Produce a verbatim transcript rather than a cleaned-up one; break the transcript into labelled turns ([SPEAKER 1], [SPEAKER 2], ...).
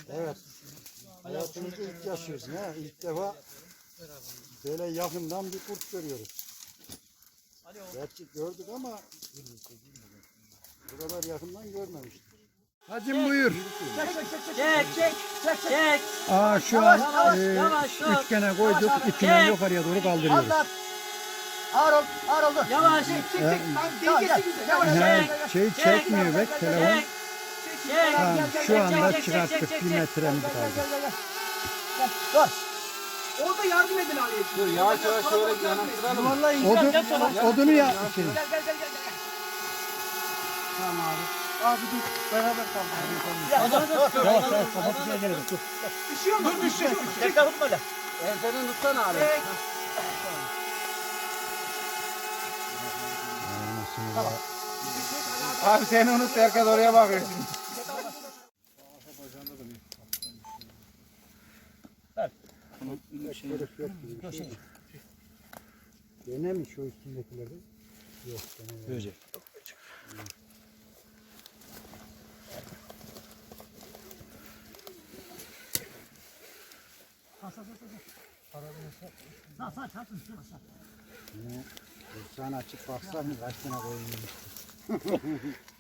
[SPEAKER 1] Evet. Hayatımızda ilk yaşıyoruz. Ne? İlk defa böyle yakından bir kurt görüyoruz. Gerçi gördük ama bu kadar yakından görmemiştik. Hacım buyur.
[SPEAKER 2] Çek çek çek çek.
[SPEAKER 1] Aa şu an e, üçgene koyduk. İpinden yukarıya doğru kaldırıyoruz.
[SPEAKER 3] Ağır ol, ağır oldu.
[SPEAKER 2] Yavaş. Çek
[SPEAKER 3] çek çek. Dengesi güzel. Yavaş
[SPEAKER 1] Yani
[SPEAKER 3] yavaş.
[SPEAKER 1] şey çekmiyor bek telefon.
[SPEAKER 2] Çek. Çek.
[SPEAKER 1] Tamam, şu anda
[SPEAKER 2] çek, çek,
[SPEAKER 1] çıkarttık.
[SPEAKER 2] çek,
[SPEAKER 1] Bir
[SPEAKER 2] çek.
[SPEAKER 1] metremiz kaldı.
[SPEAKER 3] Dur. Orada yardım edin Ali'ye. Dur
[SPEAKER 4] Yavaş yavaş şöyle yanaştıralım.
[SPEAKER 3] Vallahi
[SPEAKER 1] Odun, odunu ya. Şey.
[SPEAKER 3] Gel gel gel gel.
[SPEAKER 4] Tamam abi. Abi dur. Beraber kalkalım.
[SPEAKER 1] Yavaş yavaş kafasına gelelim. Dur.
[SPEAKER 3] Düşüyor mu? Dur düşüyor. Tek kapıp böyle.
[SPEAKER 4] Enseden tutsana abi. Abi seni unut, herkes oraya bakıyor şimdi.
[SPEAKER 1] Dene mi şu üstündekileri? Yok dene. Böcek. Sana açıp baksak mı kaç tane koyun yemiştir?